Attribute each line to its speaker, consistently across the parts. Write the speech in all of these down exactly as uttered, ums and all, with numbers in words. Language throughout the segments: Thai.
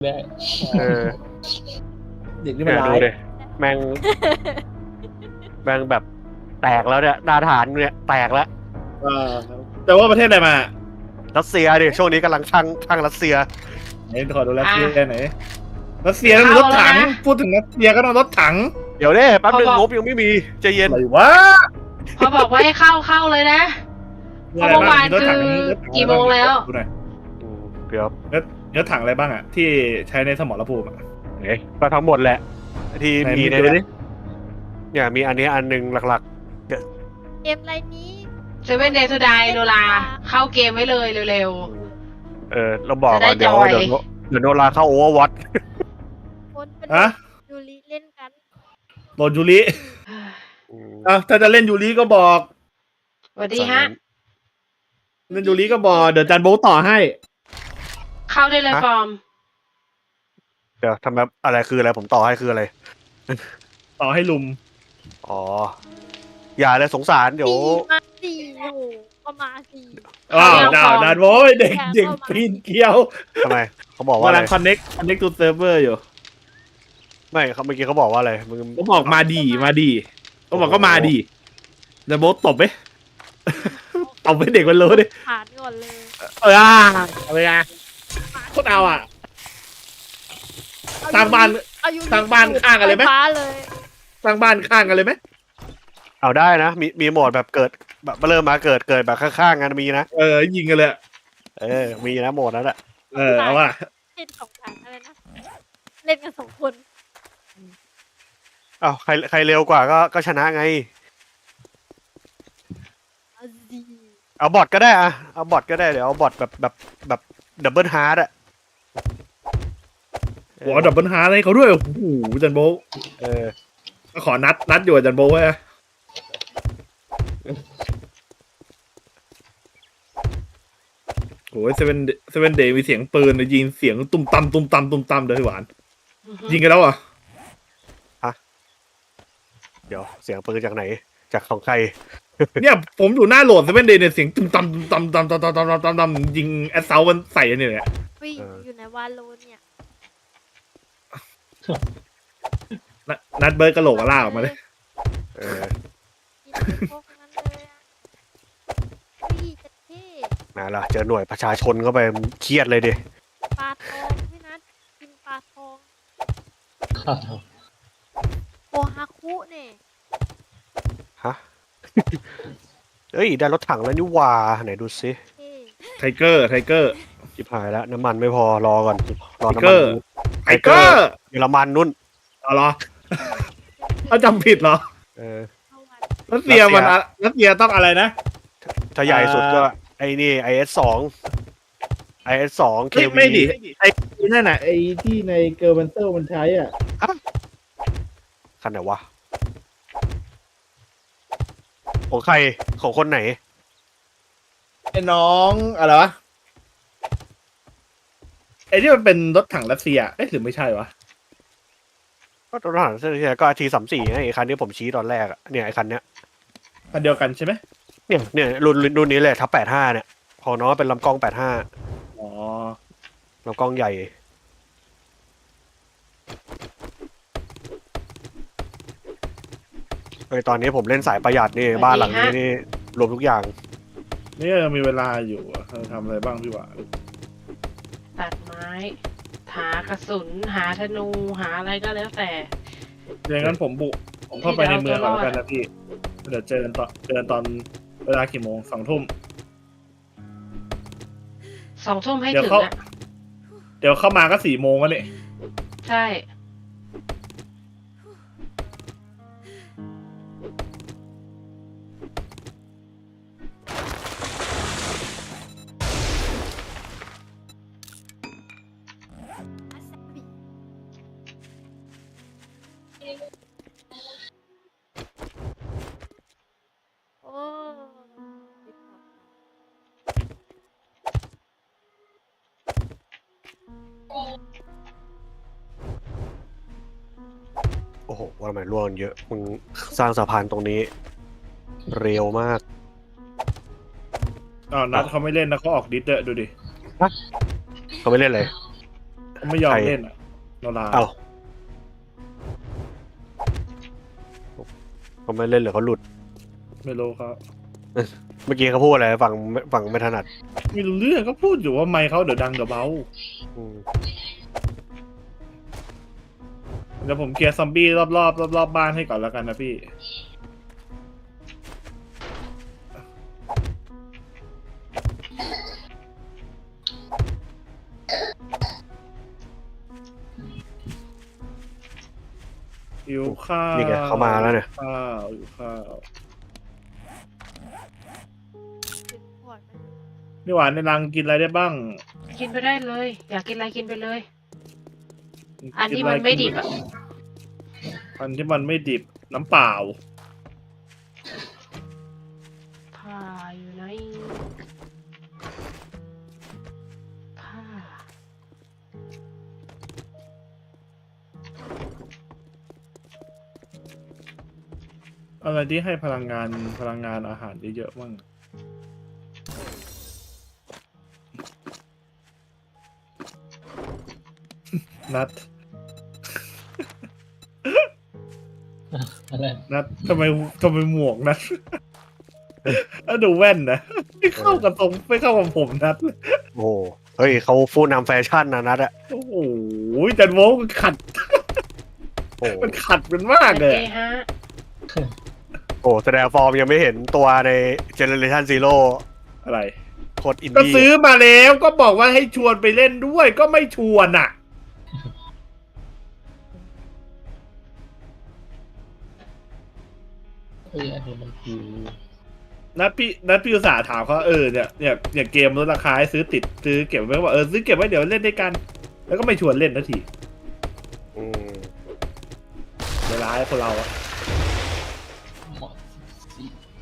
Speaker 1: ได้
Speaker 2: เออ
Speaker 3: เด็กนี่มันร้าย
Speaker 2: แม่งแม่งแบบแตกแล้วเนี่ยดาฐานเนี่ยแตกแล้ว
Speaker 3: แต่ว่าประเทศไหนมา
Speaker 2: รัสเซียดิช่วงนี้กำลังช่างช่างรัสเซีย
Speaker 3: ไหนขอดูรัสเซียไหนรัสเซียต้องรถถังพูดถึงรัสเซียก็ต้องรถถัง
Speaker 2: เดี๋ยวเด้แป๊บนึงงบยังไม่มีใจเย็น
Speaker 3: อะไรวะ
Speaker 4: พอบอกว่าให้เข้าเข้าเลยนะเพราะเมื่อวานคือกี่โมงแล้ว
Speaker 2: เดี๋ยว
Speaker 3: เนื้อถังอะไรบ้างอ่ะที่ใช้ในสมรภูมิ
Speaker 2: เอ๊ะก็ทั้งหมดแหละที่มีในนี้เนี่ยมีอันนี้อันหนึ่งหลักๆ
Speaker 5: เกมอะไรนี้
Speaker 4: เซเว่นเดย์ทูไดโนราเข้าเกมไว้เลยเร็ว
Speaker 2: ๆเออเราบอกว่าเดี๋ยวเดี๋ยวเดี๋ยวโนราเข้าโอเวอร์วอต
Speaker 5: ฮะยูริเล่นกัน
Speaker 3: โดนยูริอ่ะถ้าจะเล่นยูริก็บอก
Speaker 4: สวัสดีฮะ
Speaker 3: เล่นยูริก็บอกเดี๋ยวจันโบต่อให้
Speaker 4: เข้าได้เลยฟอร์ม
Speaker 2: เดี๋ยวทำแบบอะไรคืออะไรผมต่อให้คืออะไร
Speaker 3: ต่อให้ลุม
Speaker 2: อ๋ออย่าเลยสงสารเดี๋ยว
Speaker 5: มาสี่โอ้ก็มาสี่
Speaker 3: อ้าวดาวดันโว้ยเด็กเด็กปีนเกี้ยว
Speaker 2: ทำไมเขาบอกว่า
Speaker 3: กำลังคอนเน็กคอนเน็กตูเซิร์ฟเวอร์อยู่
Speaker 2: ไม่เขาเมื่อกี้เขาบอกว่าอะไรมึง
Speaker 3: เขาบอกมาดีมาดีเขาบอกก็มาดีแต่โบตบไหมตบไปเด็กมันรู้ดิ
Speaker 5: ผ่านก่อนเลย
Speaker 3: เอออะไรไงโคตรเอาอ่ะสร้างบ้านสร้างบ้านข้างกันเลยไหมสร้างบ้านข้างกันเลยไหม
Speaker 2: เอาได้นะมีมีโหมดแบบเกิดแบบเริ่มมาเกิดเกิดแบบข้างๆกันมีนะ
Speaker 3: เออยิงกันเลย
Speaker 2: เออมีนะโหมดนั้นแหละ
Speaker 3: เออเอาว่า
Speaker 5: เล่นสองฐานอะไรนะเล่นกันสองคน
Speaker 2: อ้าวใครใครเร็วกว่าก็ก็ชนะไงเอาบอทก็ได้อะเอาบอทก็ได้เดี๋ยวเอาบอทแบบแบบแบบดับเบิลฮาร์ดอะ
Speaker 3: โอ้ดับเบิลฮาร์ดให้เขาด้วยโอ้โหจันโบ
Speaker 2: เออ
Speaker 3: ขอนัดนัดอยู่จันโบไว้โอ้ยเซเว่นเซเว่นเดย์มีเสียงปืนยิงเสียงตุ้มตั้มตุ้มตั้มตุ้มตั้มเลยหวานยิงกันแล้วอ่ะ
Speaker 2: ฮะเดี๋ยวเสียงปืนจากไหนจากของใคร
Speaker 3: เนี่ยผมอยู่หน้าโหลดเซเว่นเดย์เนี่ยเสียงตุ้มตั้มตุ้มตั้มตั้มตั้มตั้มตั้มตั้มตั้มยิงแอสเซลมันใส่เนี่ยเนี่ย
Speaker 5: อยู่ในวาโลเนี่ย
Speaker 3: นัดเบิร์ดกระโหลกกระลาออกมาเลย
Speaker 2: เออมาละเจอหน่วยประชาชนเข้าไปเครียดเลยดิ
Speaker 5: ปลาทองพี่นัทกินปลาทองโอฮาคุเนี่ย
Speaker 2: ฮะเอ้ยได้รถถังแล้วนี่ว่าไหนดูซิ
Speaker 3: ไทเกอร์ไทเกอร์
Speaker 2: ชิบหายแล้วน้ำมันไม่พอรอก่อนรอน้ำ
Speaker 3: มันไทเกอร์
Speaker 2: เยอรมันนุ่น
Speaker 3: อ๋อเหรอเขาจำผิดเหรอ
Speaker 2: เออ
Speaker 3: รัสเซียมันรัสเซียต้องอะไรนะ
Speaker 2: ถ้าใหญ่สุดก็ไอ้นี่ไอเอสสองไอเอสสองเควี
Speaker 3: ไม่ดิไอ้นั่นน่ะไอ้ที่ในเกอร์บันเตอร์มันใช้อ่ะ
Speaker 2: คันไหนวะของใครของคนไหน
Speaker 3: ไอ้น้องอะไรวะไอ้ที่มันเป็นรถถังรัสเซียเอ๊ะหรือไม่ใช่วะ
Speaker 2: ก็รถถังรัสเซียก็ทีสามสี่ไอ้คันที่ผมชี้ตอนแรกอะเนี่ยไอ้คันเนี้ย
Speaker 3: คันเดียวกันใช่ไหม
Speaker 2: เนี่ยเนี่ยรุ่นรุ่นนี้เลยทับแปดห้าเนี่ยของน้องเป็นลำกล้องแปดห้า
Speaker 3: อ๋อ
Speaker 2: ลำกล้องใหญ่เฮ้ยตอนนี้ผมเล่นสายประหยัดนี่บ้านหลังนี้นี่รวมทุกอย่าง
Speaker 3: นี่ยังมีเวลาอยู่ทำอะไรบ้างพี่วะ
Speaker 4: ตัดไม้หากระสุนหาธนูหาอะไรก็แล้วแต่
Speaker 3: อย่างนั้นผมบุกผมเข้าไปในเมืองก่อนกันนะพี่เดี๋ยวเจอกันตอนเจอกันตอนเวลากี่โมงสองทุ่ม
Speaker 4: สองทุ่มให้ถึงอ่ะ
Speaker 3: เดี๋ยวเข้ามาก็สี่โมงแล้วเนี่ย
Speaker 4: ใช่
Speaker 2: โอ้โหว่าทำไมร่วงเยอะมึงสร้างสะพานตรงนี้เร็วมาก
Speaker 3: อ๋อนัดเขาไม่เล่นนะเขาออกดิสเดอร์ดูดิ
Speaker 2: เขาไม่เล่นเลย
Speaker 3: เขาไม่ยอมเล่นอ่ะโนรา
Speaker 2: เอ้าเขาไม่เล่นหรือเขาหลุด
Speaker 3: ไม่รู้เขา
Speaker 2: เมื่อกี้เขาพูดอะไรฝั่งฝั่งไม่ถนัด
Speaker 3: ไม่รู้เรื่องก็พูดอยู่ว่าไมค์เขาเดี๋ยวดังเดี๋ยวเบา
Speaker 2: อืม
Speaker 3: เดี๋ยวผมเคลียร์ซอมบี้รอบๆรอบรอบบ้านให้ก่อนแล้วกันนะพี่หิวข้าว
Speaker 2: นี่ไงเขามาแล้วเนี่ย
Speaker 3: ข้าวหิวข้าว
Speaker 5: ถึงขวดไหม
Speaker 3: นี่หวานในรังกินอะไรได้บ้าง
Speaker 4: กินไปได้เลย อยากกินอะไรกินไปเลย อันที่มันไม่ดิบอ่ะ
Speaker 3: อันที่มันไม่ดิบน้ำเปล่า
Speaker 4: ผ้าอยู่ไหนผ้า
Speaker 3: อะไรที่ให้พลังงานพลังงานอาหารเยอะๆบ้างนัด
Speaker 1: อะไร
Speaker 3: นัดทำไมทำไมหมวกนัด แล้วดูแว่นนะไม่เข้ากับตรงไม่เข้ากับผมนัดเลย
Speaker 2: โอ้โหเฮ้ยเขาฟูนำแฟชั่นนะนัดอะ
Speaker 3: โอ้โหจันโว้มันขัด
Speaker 2: โอ้โห
Speaker 3: มันขัดมันมากเลย
Speaker 4: โอเคฮะ
Speaker 2: โอ้แสดงฟอร์มยังไม่เห็นตัวในเจเนเรชันซีโร่
Speaker 3: อะไร
Speaker 2: โคตรอิน
Speaker 3: ก็
Speaker 2: ดี้
Speaker 3: ซื้อมาแล้วก็บอกว่าให้ชวนไปเล่นด้วยก็ไม่ชวนอ่ะ
Speaker 1: เฮ้ยอันนี้มันคือ
Speaker 3: นัดพี่นัดพี่อุตส่าห์ถามเขาเออเนี่ยเนี่ยเนี่ยเกมลดราคาให้ซื้อติดซื้อเก็บไว้ว่าเออซื้อเก็บไว้เดี๋ยวเล่นด้วยกัน แล้วก็ไม่ชวนเล่นนาที
Speaker 2: อืม
Speaker 3: เวลาให้คนเราอะ
Speaker 1: หมดสิ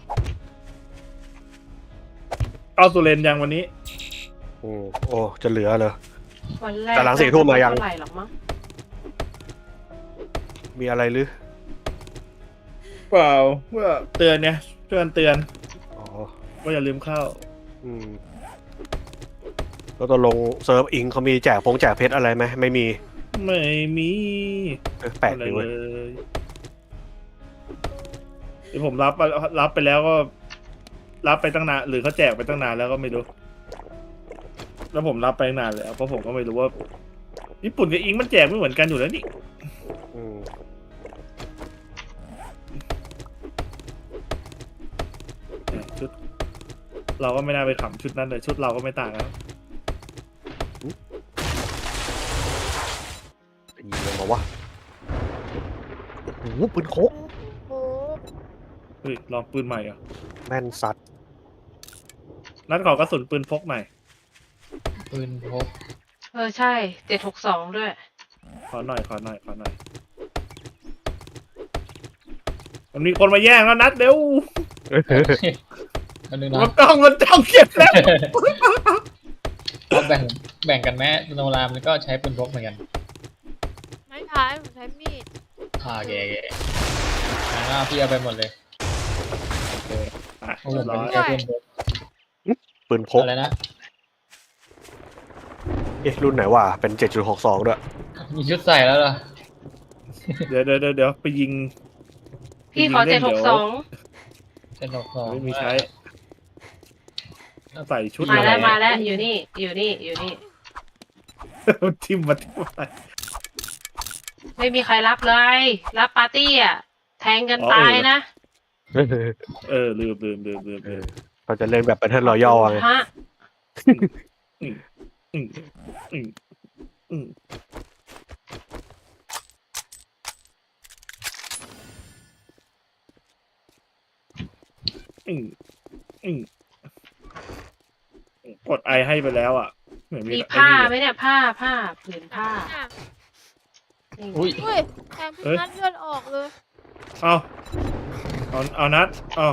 Speaker 3: เอาสุเรนยังวันนี้
Speaker 2: อืมโอ้จะเหลือเหรอ
Speaker 4: วันแรก
Speaker 2: แต่หลังสี่ทุ่มมายัง
Speaker 4: เท่าไหร่หรอกมั้ง
Speaker 2: มีอะไรหรือ
Speaker 3: เปล่าเพื่อเตือนเนี่ยเตือนเตือน
Speaker 2: อ๋อ
Speaker 3: ว่าอย่าลืมเข้า
Speaker 2: อืมแล้วตกลงเซิร์ฟอิงเขามีแจกพงแจกเพชรอะไรไหมไม่มี
Speaker 3: ไม่มี
Speaker 2: เออแปลก
Speaker 3: อะไร
Speaker 2: ดี
Speaker 3: เล
Speaker 2: เว้ย
Speaker 3: ยที่ผมรับรับไปแล้วก็ รับไปตั้งนานหรือเขาแจกไปตั้งนานแล้วก็ไม่รู้ แล้วผมรับไปตั้งนานแล้วเพราะผมก็ไม่รู้ว่า ญี่ปุ่นกับอิงมันแจกไม่เหมือนกันอยู่แล้วนี่
Speaker 2: อืม
Speaker 3: ชุด เราก็ไม่น่าไปขำชุดนั้นเลยชุดเราก็ไม่ต่างแล้ว
Speaker 2: ยิงเลยมาวะโอ้โหปืนโคก
Speaker 5: โอ้
Speaker 3: เฮ้ยลองปืนใหม่เหรอ่ะ
Speaker 2: แม่นสัตว์
Speaker 3: นัดขอกระสุนปืนพกหน่อย
Speaker 1: ปืนพก
Speaker 4: เออใช่เจ็ดหกสองด้วย
Speaker 3: ขอหน่อยขอหน่อยขอหน่อยมันมีคนมาแย่งแล้วนัดเร็ว
Speaker 1: อันนึง
Speaker 3: มั
Speaker 1: นะ
Speaker 3: นต้องมันต้องเก็บแล้ว
Speaker 1: เราแบ่งแบ่งกันแม้โนรามันก็ใช้ปืนพกเหมือนกัน
Speaker 5: ไม่ใช้ผมใช้มีด
Speaker 1: อ่าแกแกอ่าพี่เอาไปหมดเลย
Speaker 3: อ่ะ
Speaker 1: โอ้โห
Speaker 3: เรียบ
Speaker 1: มัน
Speaker 3: ร้อย
Speaker 1: ใช้ปืนพก
Speaker 2: ปืนพก
Speaker 1: อะไรนะ
Speaker 2: เอ๊ะรุ่นไหนวะเป็น เจ็ดจุดหกสอง ด้วย
Speaker 1: มีชุดใส่แล้วเหรอ
Speaker 3: เดี๋ยวเดี๋ยวเดี๋ยวเดี๋ยวไปยิง
Speaker 4: พี่ขอ
Speaker 3: ไป
Speaker 4: เจ็
Speaker 3: ยิ
Speaker 4: ด
Speaker 3: ง
Speaker 4: ห
Speaker 3: ล่
Speaker 4: ก
Speaker 3: น
Speaker 4: สอง
Speaker 1: เป็นดอกสอง
Speaker 3: ไม่มีใช้ใส่ชุด
Speaker 4: มา
Speaker 3: อะไร
Speaker 4: แล้วมาแล้วอยู่นี่อยู่นี่อยู่นี่
Speaker 3: ทิมมาทิมมา
Speaker 4: ไม่มีใครรับเลย รับปาร์ตี้อ่ะ แทงกันตายนะ
Speaker 3: เออลืมลืมลืมลืมลืม
Speaker 2: เราจะเล่นแบบเป็นเทนรอยัลไง
Speaker 4: ฮะ
Speaker 3: อืมอืมอืมอืมอืมอืมกดไอให้ไปแล้วอ่ะเหมือนมี
Speaker 4: มี
Speaker 3: ไอ้
Speaker 4: ผ้า
Speaker 3: นี่
Speaker 4: ไหม
Speaker 3: เลย
Speaker 4: เนี่ยผ้าผ้าผืนผ้า
Speaker 5: อ่ะ
Speaker 4: นี่
Speaker 1: อุ้ย
Speaker 5: เฮ้ยแทงพี่นัดเลือดออกเลย
Speaker 3: เอาเอาเอานัดเอา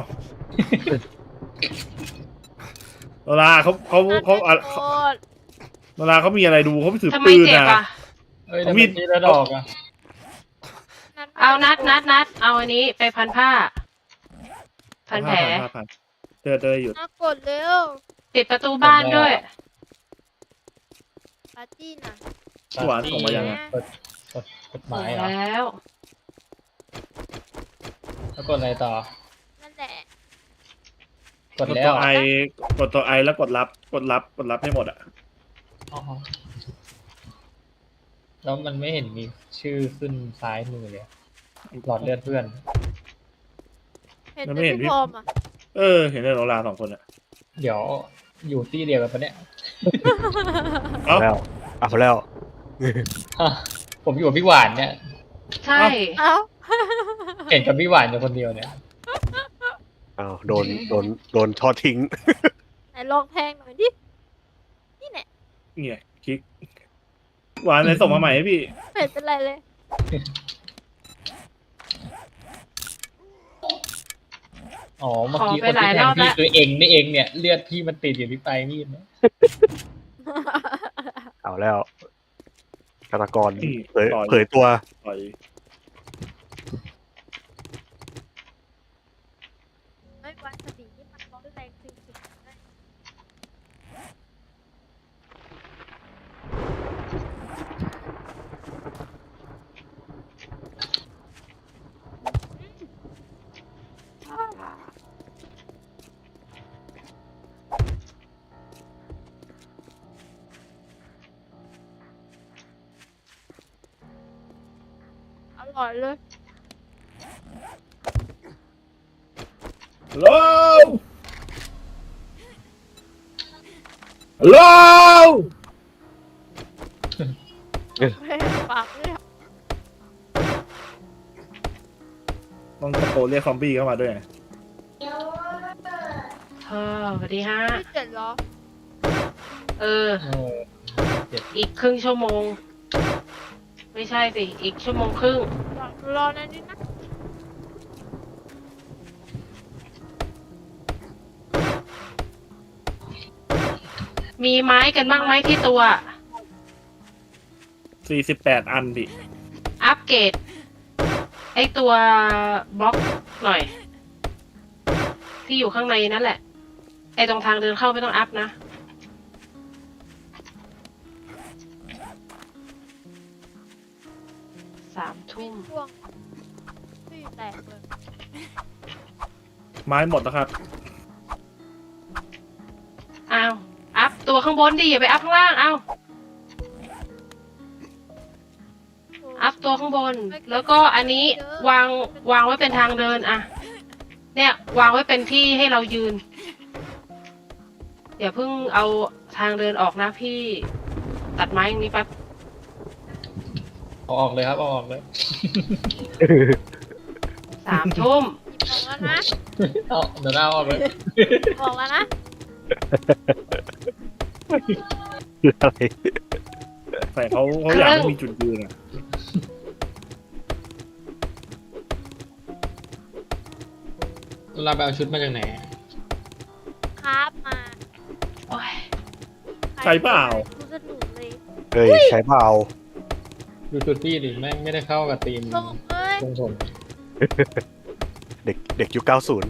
Speaker 3: เวลาเขาเขา
Speaker 5: นัด
Speaker 3: เขา
Speaker 5: ไม่
Speaker 3: อ่ะ
Speaker 5: โกรธ
Speaker 3: เวลาเขามีอะไรดูเขาไม่ถือ
Speaker 4: ทำไม
Speaker 3: ปืน
Speaker 4: เจ็บ
Speaker 3: นะ
Speaker 4: อ่ะ
Speaker 1: เอ้ย
Speaker 3: เอา
Speaker 1: ทำ
Speaker 3: มี
Speaker 1: มี
Speaker 3: ด
Speaker 1: ดแล้วดอกอ่ะ
Speaker 5: นัดไม่
Speaker 4: เอานัดนัดนัดเอาอันนี้ไปพันผ้า พันแผล
Speaker 3: ห้าพันเจอเจอหยุด
Speaker 5: นัดกดเร็ว
Speaker 4: ปิดประตูบ้านด้วย
Speaker 5: ปาร์ตี้น่ะ
Speaker 3: หวานส่งมายังไง
Speaker 1: กดกดกดห
Speaker 4: ส่
Speaker 1: มาง ยเหรอ
Speaker 4: แล้ว
Speaker 1: แล้วกดอะไรต่อ
Speaker 5: นั่นแหละ
Speaker 1: กด
Speaker 3: กด
Speaker 1: แล้
Speaker 3: ตัว วไอกดตัวไอแล้วกดรับกดรับกดรับให้หมดอ่ะ
Speaker 1: อ๋อแล้วมันไม่เห็นมีชื่อขึ้นซ้ายมือเลย หลอดเลือดเพื่อน
Speaker 5: เห็นแต่พี่พรมอ่ะ
Speaker 3: เออเห็นในโรงแรมสองคนอ่ะ
Speaker 1: เดี๋ยวอยู่ที่เดียวกันปะเนี่ย
Speaker 3: เอ้า
Speaker 2: แล้วเอาแล้ว
Speaker 1: ฮะผมอยู่กับพี่หวานเนี่ย
Speaker 4: ใช่
Speaker 5: เอ้า
Speaker 1: เห็นกับพี่หวานอยู่คนเดียวเนี่ย
Speaker 2: อ้าวโดนโดนโดนทอดทิ้ง
Speaker 5: ไหนลองแทงหน่อยดินี่แหละ
Speaker 3: เนี่ยคลิกหวานเลยส่งมาใหม่ให้พี่
Speaker 5: ไม่เห็นเป็นไรเลย
Speaker 1: อ๋อเมื่อกี้คนที่แทงพี่คือเองนี่เองเนี่ยเลือดพี่มันติดอยู่ที่ปลายมีดเนี่ย
Speaker 2: เอาแล้วฆาตกร
Speaker 3: อืม
Speaker 2: เผย
Speaker 3: ต่อย
Speaker 2: เผยตัว
Speaker 3: ปล่อย
Speaker 5: ไม่วันสตินี่มันร้อนแรงจริงๆนะ อร่อยเลย
Speaker 3: ฮัลโหลฮัลโหล
Speaker 5: ไม่ปากเลยอะ
Speaker 3: ต้องตะโกนเรียกซอมบี้เข้ามาด้วยไง
Speaker 4: เธอสวัสดีฮะ
Speaker 5: ไม่เจ็ดเหรอ
Speaker 4: เออ
Speaker 1: เออ
Speaker 4: อีกครึ่งชั่วโมง ไม่ใช่สิ อีกชั่วโมงครึ่ง
Speaker 5: รอรอนานนิดนะ
Speaker 4: มีไม้กันบ้างไหมที่ตัว
Speaker 3: สี่สิบแปดอันดิ
Speaker 4: อัปเกรดไอตัวบล็อกหน่อย ที่อยู่ข้างในนั่นแหละ ไอตรงทางเดินเข้าไม่ต้องอัพนะ สามทุ่ม
Speaker 5: ช่วงที่แตกเลย
Speaker 3: ไม้หมดแล้วครับ
Speaker 4: อ้าว อัพตัวข้างบนดิอย่าไปอัพข้างล่าง อ้าว อัพตัวข้างบน แล้วก็อันนี้วางวางไว้เป็นทางเดินอะเนี่ยวางไว้เป็นที่ให้เรายืน อย่าเพิ่งเอาทางเดินออกนะพี่ ตัดไม้อย่างนี้แป๊บ
Speaker 1: เอาออกเลยครับเอาออกเลย
Speaker 4: สามทุ่ม
Speaker 5: บอกแล้วนะ
Speaker 1: เอาเดี๋ยวเอาออกเลย
Speaker 5: บอกแล้วนะ
Speaker 2: อะไร
Speaker 3: แต่เขาเขาอยากให้มีจุดยืนอ่ะ
Speaker 1: เราไปเอาชุดมาจากไหน
Speaker 5: ครับมา
Speaker 4: โอ้ย
Speaker 3: ใช่เปล่า
Speaker 5: ดูสนุกเลย
Speaker 2: เฮ้ยใช้เปล่า
Speaker 1: ดูชุดพี่ดิแม่งไม่ได้เข้ากับธีม
Speaker 5: ลงเลย
Speaker 1: ทรงผม
Speaker 2: เด็กเด็กยุคเก้าศูนย์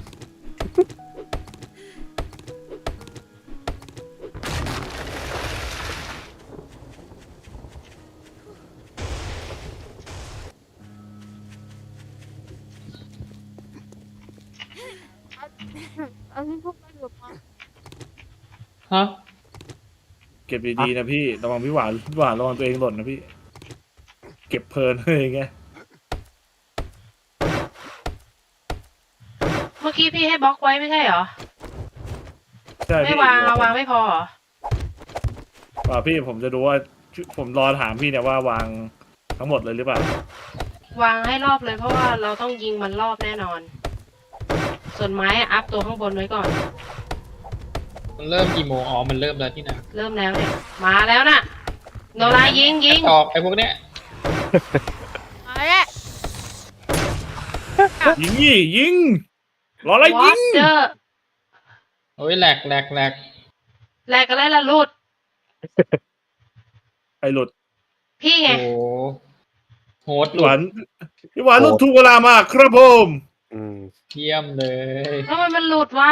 Speaker 5: เอาที่พวกมันหลุดมา
Speaker 1: ฮะ
Speaker 3: เก็บดีๆนะพี่ระวังพี่หวานหวานระวังตัวเองหล่นนะพี่ เก็บเพลินเลยไง
Speaker 4: เมื่อกี้พี่ให้บล็อกไว้ไม่ใช่เหรอ
Speaker 3: ใช่
Speaker 4: ไม่
Speaker 3: พี่
Speaker 4: วางเอาวางไม่พอเหรอ
Speaker 3: ว่าพี่ผมจะดูว่าผมรอถามพี่เนี่ยว่าวางทั้งหมดเลยหรือเปล่า
Speaker 4: วางให้รอบเลยเพราะว่าเราต้องยิงมันรอบแน่นอน ส่วนไม้อะอัพตัวข้างบนไว้ก่อน
Speaker 1: มันเริ่มกี่โมงอ๋อมันเริ่มแล้วที่ไหน
Speaker 4: เริ่มแล้วเนี่ย มาแล้วน่ะ โนรายิงยิง
Speaker 1: ออกไอ้พวกเนี้ย
Speaker 5: มาแล้ว
Speaker 3: ยิงยี่ยิงรออะไร
Speaker 4: วอ
Speaker 3: ยิง
Speaker 4: เตอร์
Speaker 1: โอ้ยแหลกแหลกแหลก
Speaker 4: แลกกันแล้วล่ะลูด
Speaker 3: ไอหลุด
Speaker 4: พี่ไง
Speaker 1: โอ้โหโหดห
Speaker 3: พี่
Speaker 1: ลุ
Speaker 3: หวา
Speaker 1: ด
Speaker 3: นพี่หวานหลุดถูกเวลามากครับผม
Speaker 2: อืม
Speaker 1: เยี่ยมเลย
Speaker 4: ทำไมมันหลุดวะ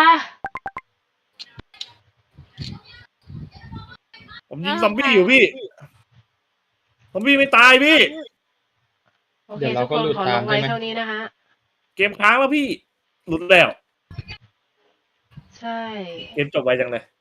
Speaker 3: ผมยิงซอมบี้อยู่พี่ผมพี่ไม่ตายพี่
Speaker 4: โอเค
Speaker 1: เดี๋ยวเรา
Speaker 4: ทุก
Speaker 1: ก็
Speaker 4: คน
Speaker 1: หลุด
Speaker 4: ขอล
Speaker 1: ตาม
Speaker 4: งไว้
Speaker 1: ใช่ไหม
Speaker 4: เท่านี้นะคะ
Speaker 3: เกมค้างแล้วพี่หลุดแล้ว
Speaker 4: ใช่
Speaker 3: เกมจบไวจังเลย